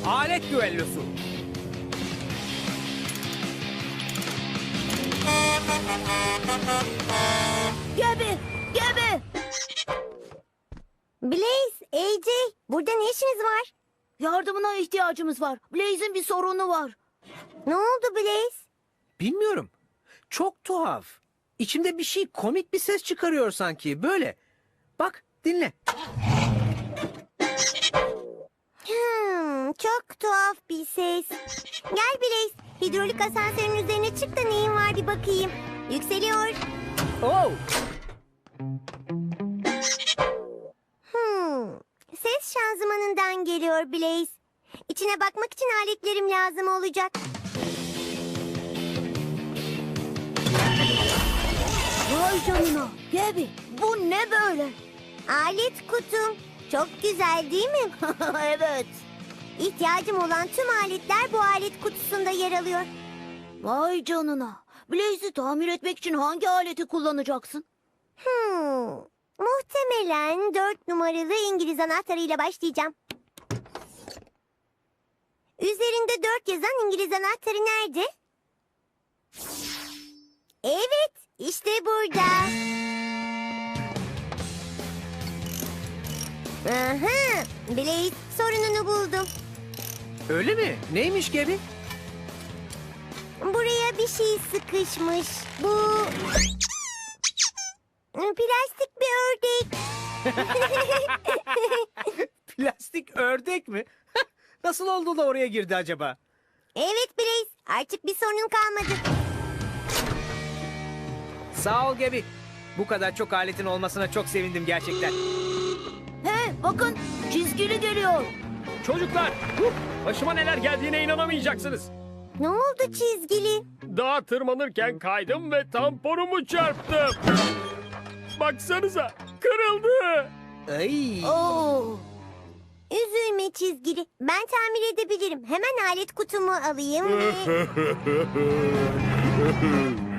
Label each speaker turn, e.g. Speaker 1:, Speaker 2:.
Speaker 1: Alet düellosu.
Speaker 2: Gebe! Gebe!
Speaker 3: Blaze, AJ, burada ne işiniz var?
Speaker 2: Yardımına ihtiyacımız var. Blaze'in bir sorunu var.
Speaker 3: Ne oldu Blaze?
Speaker 1: Bilmiyorum. Çok tuhaf. İçimde bir şey komik bir ses çıkarıyor sanki. Böyle. Bak dinle.
Speaker 3: Çok tuhaf bir ses. Gel Blaze, hidrolik asansörün üzerine çık da neyin var bir bakayım. Yükseliyor.
Speaker 1: Oh.
Speaker 3: Ses şanzımanından geliyor Blaze. İçine bakmak için aletlerim lazım olacak.
Speaker 2: Vay canına. Gebe! Bu ne böyle?
Speaker 3: Alet kutum. Çok güzel değil mi?
Speaker 2: Evet.
Speaker 3: İhtiyacım olan tüm aletler bu alet kutusunda yer alıyor.
Speaker 2: Vay canına. Blaze'i tamir etmek için hangi aleti kullanacaksın?
Speaker 3: Muhtemelen 4 numaralı İngiliz anahtarıyla başlayacağım. Üzerinde 4 yazan İngiliz anahtarı nerede? Evet, işte burada. Aha, Blaze sorununu buldum.
Speaker 1: Öyle mi? Neymiş gibi?
Speaker 3: Buraya bir şey sıkışmış. Bu plastik bir ördek.
Speaker 1: Plastik ördek mi? Nasıl oldu da oraya girdi acaba?
Speaker 3: Evet Blaze, artık bir sorunun kalmadı.
Speaker 1: Sağ ol Gebi. Bu kadar çok aletin olmasına çok sevindim gerçekten.
Speaker 2: He, bakın çizgili geliyor.
Speaker 4: Çocuklar, başıma neler geldiğine inanamayacaksınız.
Speaker 3: Ne oldu çizgili?
Speaker 4: Dağa tırmanırken kaydım ve tamponumu çarptım. Baksanıza, kırıldı.
Speaker 1: Ay.
Speaker 2: Oo.
Speaker 3: Üzülme çizgili. Ben tamir edebilirim. Hemen alet kutumu alayım ve...